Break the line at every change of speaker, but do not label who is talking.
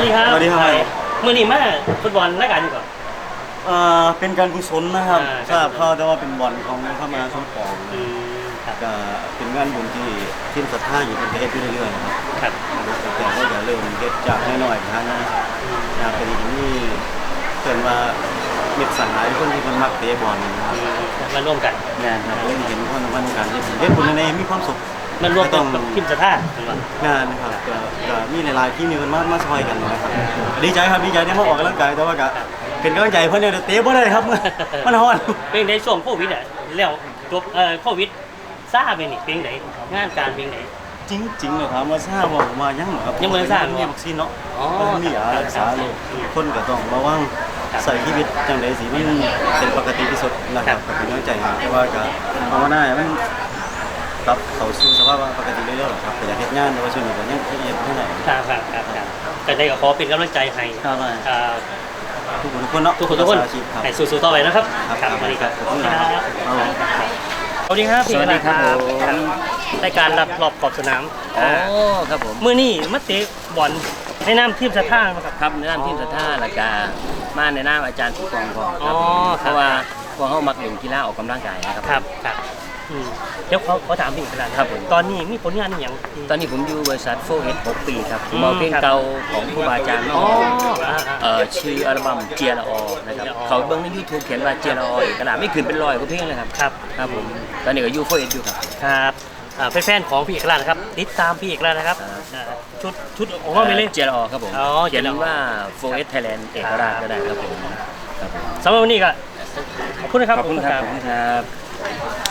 วัสดีครับ
สวัสดีครับ
เมื่อนี้มาฟุตบอลรายการอยู่ก่อน
เป็นการกุศลนะครับทราบข่าวแต่ว่าเป็นบอลของเข้ามาสมปองก็เป็นงานบุญที่ทีมศรัทธาอยู่เป็นเฮ็ดอยู่เรื่อยๆครับแต่ก็อย่าเริ่มเฮ็ดจากน้อยๆนะเป็นอย่างนี้เกิดว่าเม็ดสันหลายคนที่มันมักเตะบอลนะครับ
มาร่วมกัน
งานครับเห็นคนการเฮ็ดบุญในมีความสุข
มันรวมกันทีมศรัทธาง
านนะครับก็มีหลายๆที่มีคนมาช่วยกันนะครับดีใจครับดีใจได้มาออกกำลังกายแต่ว่าก็เป็นกำลังใจเพื่อนเนี่ยเตะบ่ได้ครับมันฮ้อน
เป็นในช่วงโควิดอ่ะแล้วจบโควิดซ่าเป็นนี่เป็นไหนงานการเป็นไหน
จริงๆเลยถามว่าทราบว่าผมมายังครับ
ยังไม่ทราบ
มีวัคซีนเนาะมียารักษาโรคคนก็ต้องระวังใส่ชีวิตจังได๋สิมันเป็นปกติที่สุดนะครับก็เป็นกำลังใจให้ว่าก็ภาวนาให้มันกลับเข้าสู่สภาพปกติเรื่อยๆครับแต่อยากเฮ็ดงานแต่ว่าช่วงนี้ก็ยังเฮ็ดบ่ได้
ครับก็ได้ก็ขอเป็นกำลังใจให้
ทุกคนเนาะ
ทุกคนให้สู้ๆต่อไปนะครับ
ครับสวัสดีครับ
สวัสดีครับ
สวัสดีครับ
รายการรับรอบขอบสนาม
ครับผม
มื้อนี้มาเตะบอลให้น้ำทีมศรัทธา
ครับในน้ำทีมศรัทธาแล้วก็มาในน้ำอาจารย์ผู้กองพอเพราะว่าพวกเขามักเล่นกีฬาออกกำลังกาย
นะครับเดี๋ยวเขาถามพี่อีกแล้วครับตอนนี้มีผลงานอย่าง
ตอนนี้ผมอยู่บริษัทโฟเอส6 ปีครับผมเอาเพลงเก่าของครูบาอาจารย์ชื่ออัลบั้มเจียละอนะครับเขาเบิ้งใน YouTube เขียนว่าเจียละออกระดาษไม่ขึ้นเป็น100กว่าเพลงเลยครับผมตอนนี้ก็อยู่โฟเอสอยู่
ครับแฟนๆของพี่เอกราชนะครับติดตามพี่เอกราชนะครับชุดออกมาไม่เลย
เจียละอครับผมเขียนว่าโฟเอสไทยแลนด์เอกราชก็ได้ครับผม
สำหรับวันนี้ก็ขอบคุณนะครับ
ขอบคุณครับ